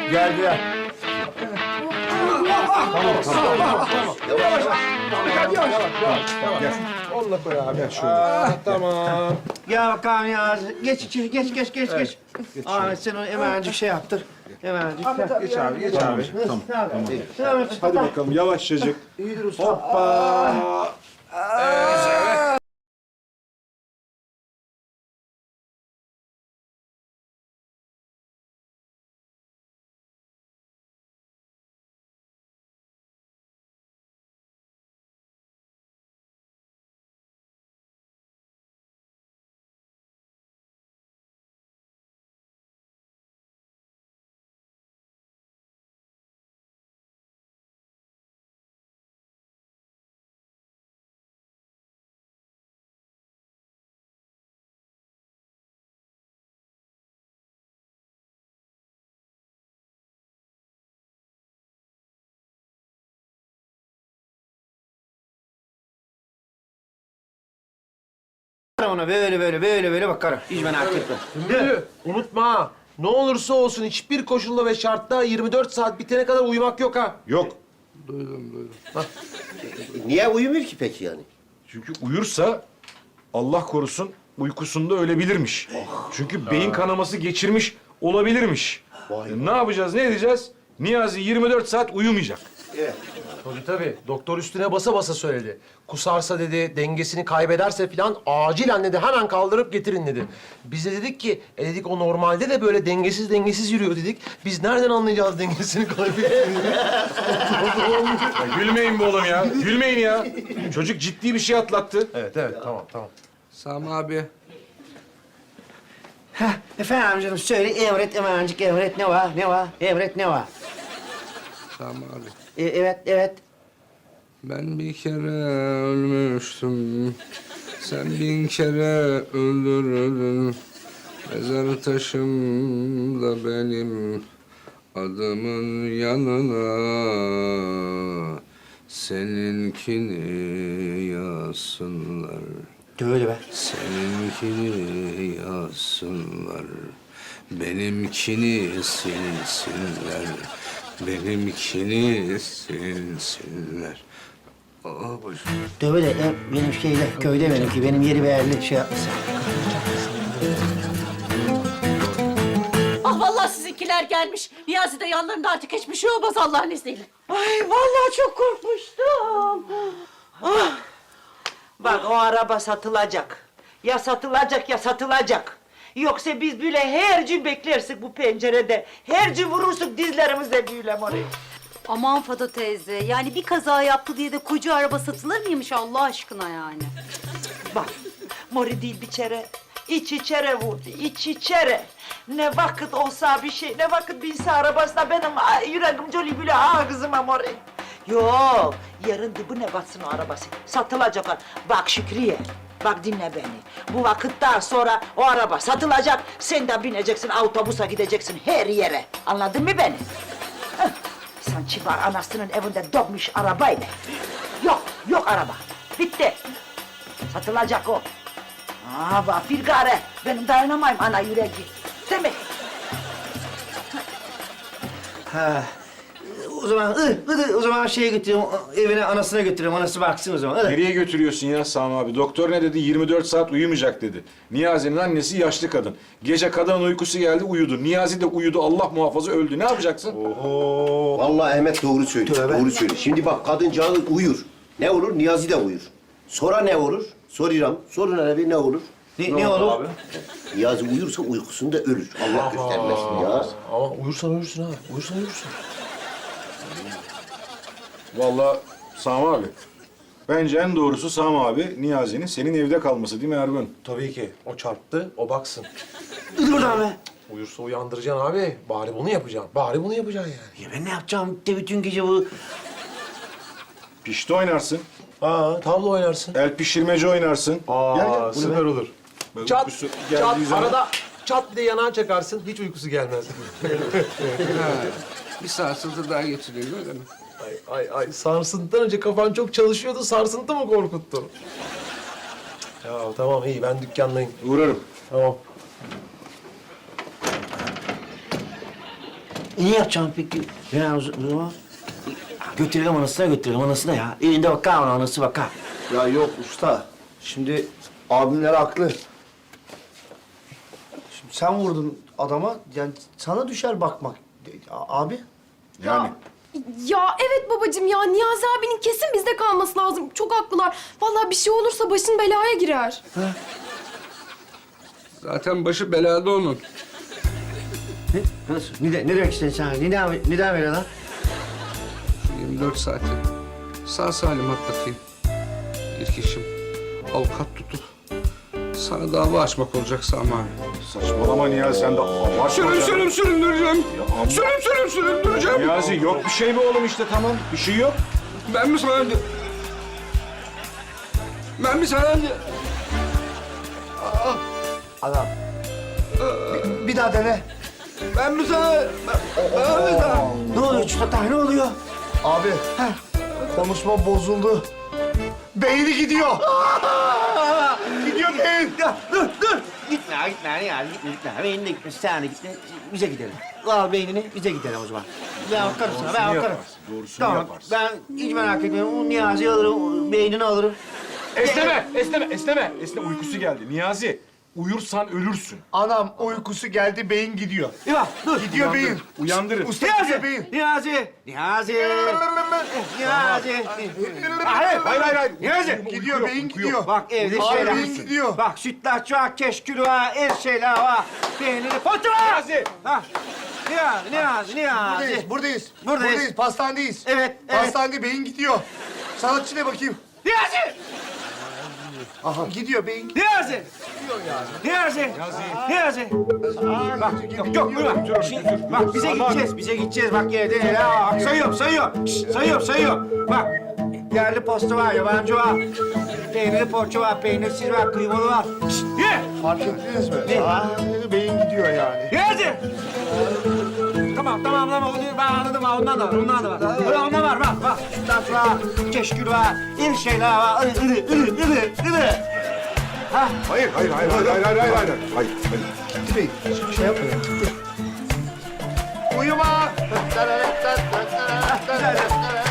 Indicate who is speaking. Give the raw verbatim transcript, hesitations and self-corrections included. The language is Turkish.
Speaker 1: Geldiler.
Speaker 2: Tamam, tamam, tamam, tamam.
Speaker 1: Yavaş. Yavaş, yavaş. Yavaş.
Speaker 2: Gel. Onunla koy abi. Gel şöyle.
Speaker 1: Aa, tamam.
Speaker 3: Gel bakalım ya. Geç içeri, geç, geç, geç, geç.
Speaker 2: Geç
Speaker 3: Ahmet sen onu hemencik şey yaptır. Hemencik.
Speaker 2: Geç abi, geç abi.
Speaker 3: Tamam, tamam. Tamam.
Speaker 2: Hadi bakalım yavaşçacık.
Speaker 3: İyidir usta.
Speaker 2: Hoppa.
Speaker 3: Ona böyle böyle böyle böyle bakarım. Hiç merak etme.
Speaker 4: Müdür, unutma ha. Ne olursa olsun hiçbir koşulda ve şartta yirmi dört saat bitene kadar uyumak yok ha.
Speaker 2: Yok.
Speaker 5: Niye uyumuyor ki peki yani?
Speaker 2: Çünkü uyursa Allah korusun uykusunda ölebilirmiş. Çünkü beyin kanaması geçirmiş olabilirmiş. E, ne yapacağız, ne edeceğiz? Niyazi yirmi dört saat uyumayacak.
Speaker 4: Tabii tabii. Doktor üstüne basa basa söyledi. Kusarsa dedi, dengesini kaybederse falan acilen dedi hemen kaldırıp getirin dedi. Biz de dedik ki, e dedik o normalde de böyle dengesiz dengesiz yürüyor dedik. Biz nereden anlayacağız dengesini kaybettiğini?
Speaker 2: Ya gülmeyin be oğlum ya. Gülmeyin ya. Çocuk ciddi bir şey atlattı.
Speaker 4: Evet evet tamam tamam.
Speaker 1: Sami abi.
Speaker 3: Heh, efendim canım söyle emret hemencik emret ne var ne var emret ne var?
Speaker 1: Sami abi.
Speaker 3: E, evet evet.
Speaker 1: Ben bir kere ölmüştüm. Sen bin kere öldürüldün. Mezar taşım da benim adımın yanına seninkini yazsınlar.
Speaker 3: Böyle be.
Speaker 1: Seninkini yazsınlar. Benimkini silsinler. Benimkini silsinler. Aa boş.
Speaker 3: Böyle e, benim şeyde köyde benimki benim yeri belli şey yapmasın.
Speaker 6: Ah vallahi sizinkiler gelmiş. Niyazi de yanlarında artık hiçbir şey olmaz Allah'ın izniyle.
Speaker 7: Ay vallahi çok korkmuştum. Ah. Bak o araba satılacak. Ya satılacak ya satılacak. Yoksa biz böyle her gün beklersek bu pencerede. Her gün vurursak dizlerimizle büyülem orayı.
Speaker 8: Aman Fado teyze, yani bir kaza yaptı diye de koca araba satılır mıymış Allah aşkına yani?
Speaker 7: Bak mori değil bir kere. İç içere vurdu, iç içere. Ne vakit olsa bir şey, ne vakit binse arabasına benim ay, yüreğim coli bile ağzıma mori. Yok, yarın dibine batsın o arabası. Satılacak o. Bak Şükriye, bak dinle beni. Bu vakitten sonra o araba satılacak. Sen de bineceksin, otobüse gideceksin her yere. Anladın mı beni? Heh. Sanki var anasının evinde doğmuş arabayla. Yok, yok araba. Bitti. Satılacak o. Aa bak bir gare. Benim dayanamayım ana yüreği. Değil mi?
Speaker 3: Ha. O zaman ı, ı, o zaman şeye götürüyorum evine anasına götürüyorum anası baksın o zaman. Hadi.
Speaker 2: Nereye götürüyorsun ya Sami abi? Doktor ne dedi? yirmi dört saat uyumayacak dedi. Niyazi'nin annesi yaşlı kadın. Gece kadının uykusu geldi uyudu. Niyazi de uyudu. Allah muhafaza öldü. Ne yapacaksın?
Speaker 5: Oo. Vallahi Ahmet doğru söylüyor.
Speaker 3: Tövbe.
Speaker 5: Doğru söylüyor. Şimdi bak kadıncağız uyur. Ne olur? Niyazi de uyur. Sonra ne olur? Soruyorum. Sorun abi ne olur?
Speaker 3: Ne, ne olur?
Speaker 5: Niyazi uyursa uykusunda ölür. Allah göstermesin ya.
Speaker 4: Ama uyursan uyursun ha. Uyursan uyursun.
Speaker 2: Vallahi Sami abi. Bence en doğrusu Sami abi Niyazi'nin senin evde kalması değil mi Ergun?
Speaker 4: Tabii ki. O çarptı, o baksın.
Speaker 3: Dur buradan be.
Speaker 4: Uyursa uyandıracaksın abi. Bari bunu yapacaksın. Bari bunu yapacaksın yani.
Speaker 3: Ya ben ne yapacağım de bütün gece bu?
Speaker 2: Pişti oynarsın.
Speaker 4: Aa, tavla oynarsın.
Speaker 2: El pişirmeci oynarsın.
Speaker 4: Aa,
Speaker 2: Gel, gel. Bu ne
Speaker 4: süper
Speaker 2: be?
Speaker 4: olur.
Speaker 2: Böyle
Speaker 4: Çat,
Speaker 2: uykusu
Speaker 4: çat,
Speaker 2: geldiği zaman-
Speaker 4: arada çat bir de yanağa çakarsın. Hiç uykusu gelmez.
Speaker 1: Ha, bir sarsıntı daha getiriyor öyle mi?
Speaker 4: ay, ay, ay. Sarsıntıdan önce kafan çok çalışıyordu. Sarsıntı mı korkuttu? Ya tamam iyi. Ben dükkandayım.
Speaker 2: Uğrarım.
Speaker 4: Tamam.
Speaker 3: E, ne yapacağım peki? Ya o zaman götürelim anasına götürelim anasına ya. Elinde bakar ona anası bakar.
Speaker 9: Ya yok usta. Şimdi abimler haklı. Şimdi sen vurdun adama. Yani sana düşer bakmak. A- Abi.
Speaker 2: Yani.
Speaker 10: Ya evet babacığım ya Niyazi abinin kesin bizde kalması lazım. Çok haklılar. Vallahi bir şey olursa başın belaya girer.
Speaker 1: Zaten başı belada onun.
Speaker 3: Ne? Nasıl? Ne, de- ne demek istiyorsun sen? Ne devam, ne devam ediyor lan?
Speaker 1: Şu yirmi dört saati sağ salim atlatayım. İlk işim avukat tutup sana dava açmak olacak Sami abi.
Speaker 2: Saçmalama Niyazi sen de abartma.
Speaker 1: Sürüm
Speaker 2: ya.
Speaker 1: sürüm süründüreceğim.
Speaker 2: amma-
Speaker 1: Sürüm sürüm süründüreceğim.
Speaker 2: Niyazi yok bir şey mi oğlum işte tamam. Bir şey yok.
Speaker 1: Ben mi sana... Ben mi sana...
Speaker 9: Adam. Bir, bir daha dene.
Speaker 1: Ben mi sana... Ben mi sana...
Speaker 3: Ne oluyor Çutata? Ne oluyor?
Speaker 9: Abi. Konuşma bozuldu. Beyni gidiyor. Gidiyor beyin.
Speaker 3: Ya dur dur. Gitme gitme ya gitme gitme. Beynine gitme sen de gitme. Bize gidelim. Al beynini bize gidelim o zaman. Ben bakarım sana ben
Speaker 2: Doğrusunu
Speaker 3: bakarım.
Speaker 2: yaparsın, doğrusunu
Speaker 3: Tamam
Speaker 2: yaparsın.
Speaker 3: ben hiç merak etmiyorum. O Niyazi'yi alırım, beynini alırım.
Speaker 2: Esneme, esneme, esneme. Esne uykusu geldi. Niyazi, uyursan ölürsün.
Speaker 9: Anam uykusu geldi beyin gidiyor.
Speaker 3: Ya dur.
Speaker 9: Gidiyor beyin.
Speaker 2: Uyandırın.
Speaker 9: Usta
Speaker 3: Niyazi!
Speaker 9: gidiyor beyin.
Speaker 3: Niyazi! Niyazi! Niyazi! Hayır,
Speaker 2: Hayır, hayır, hayır.
Speaker 3: Niyazi!
Speaker 9: Gidiyor
Speaker 2: yok,
Speaker 9: beyin
Speaker 2: uyku
Speaker 9: gidiyor.
Speaker 2: yok.
Speaker 3: Bak evde
Speaker 9: Abi
Speaker 3: şeyler.
Speaker 9: beyin gidiyor.
Speaker 3: Bak sütlaç var, keşkül var, her şeyler var. Peyniri, potu var!
Speaker 2: Niyazi!
Speaker 3: Ha. Niyazi, Niyazi, Niyazi.
Speaker 9: Buradayız, buradayız.
Speaker 3: Buradayız.
Speaker 9: pastanedeyiz.
Speaker 3: Evet, evet.
Speaker 9: Pastanede beyin gidiyor. Sanatçı ne bakayım?
Speaker 3: Niyazi!
Speaker 9: Aha. Gidiyor beyin gidiyor.
Speaker 3: Niyazi! Niyazi! Niyazi! Bak, yok, yok, buyurun. Şimdi, bak, bize gideceğiz, bize gideceğiz. Bak, evde ya, bak, sayıyorum, sayıyorum. Şşt, sayıyorum, sayıyorum. Bak, yerli posta var, yabancı var. Peynirli poğaça var, peynirsiz var, kıymalı var. Şşt, ye!
Speaker 9: Fark ettiniz mi?
Speaker 3: Ne?
Speaker 9: Aa, beyin gidiyor yani.
Speaker 3: Niyazi! Tamam, tamam, tamam. Onu ben anladım, ha, ondan da var, ondan da var. Öyle ondan var, bak, bak. Sütlaç var, keşkül var, iri şeyler var. Iri, iri, iri, iri, iri. Ha?
Speaker 2: Hayır, hayır, hayır, hayır, hayır, hayır, hayır, hayır. Hayır, hayır.
Speaker 9: Gitti beyin. Hiçbir şey yapma ya. Gitti. Uyuma.
Speaker 3: Güzel.